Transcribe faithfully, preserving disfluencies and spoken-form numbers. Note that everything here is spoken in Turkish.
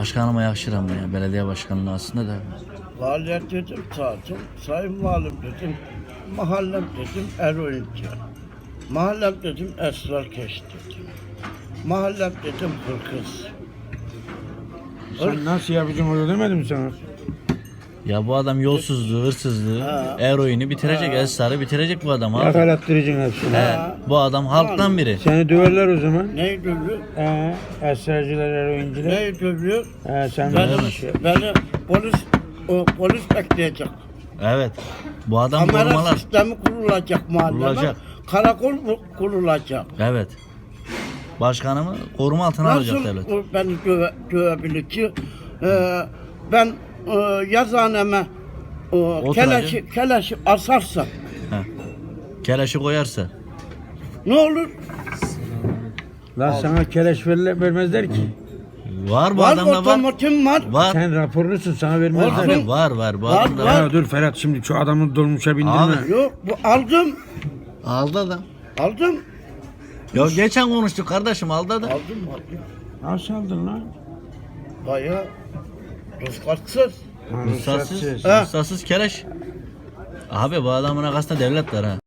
Başkanıma yakışır ama ya. Belediye başkanlığı aslında da. Valiyet dedim tatil, sayın valim dedim, mahallem dedim eroinci. Mahallem dedim esrar keş dedim. Mahallem dedim hırkız. Sen nasıl yapacaksın öyle demedim mi sana? Ya bu adam yolsuzluğu, hırsızlığı, Ha. eroini bitirecek. Esrarı bitirecek bu adam abi. Yakalattıracaksın hepsini. He, bu adam halktan biri. Seni döverler o zaman. Neyi dövüyor? Ee, esrarcılar, eroinciler. Neyi dövüyor? Ee, sen Beni, de beni polis, o, polis bekleyecek. Evet. Bu adam Kamera korumalar. sistemi kurulacak mahalleme. Kurulacak. Karakol mu- kurulacak. Evet. Başkanımı koruma altına alacak devlet. Nasıl o beni döve, dövebilir ki? Ee, ben e, yazaneme e, Otur keleşi, keleşi asarsam He. Keleşi koyarsa. ne olur? Lan sana keleş verirler, vermezler ki. Var bu Var adamda var. otomotim var. Var. Sen raporlusun, sana vermezler. Olsun. Abi var var. Bu Var, adamda var. var. Ya dur Ferhat, şimdi şu adamı dolmuşa bindirme. Abi. Yok bu aldım. Aldı adam. Aldım. Ya geçen konuştuk kardeşim aldı adam. Aldım aldım. Nasıl aldın lan? Bayağı ruhsatsız. Ha, Ruhsatsız. ruhsatsız. Ha. Ruhsatsız keleş. Abi bu adamın arkasında devlet var ha.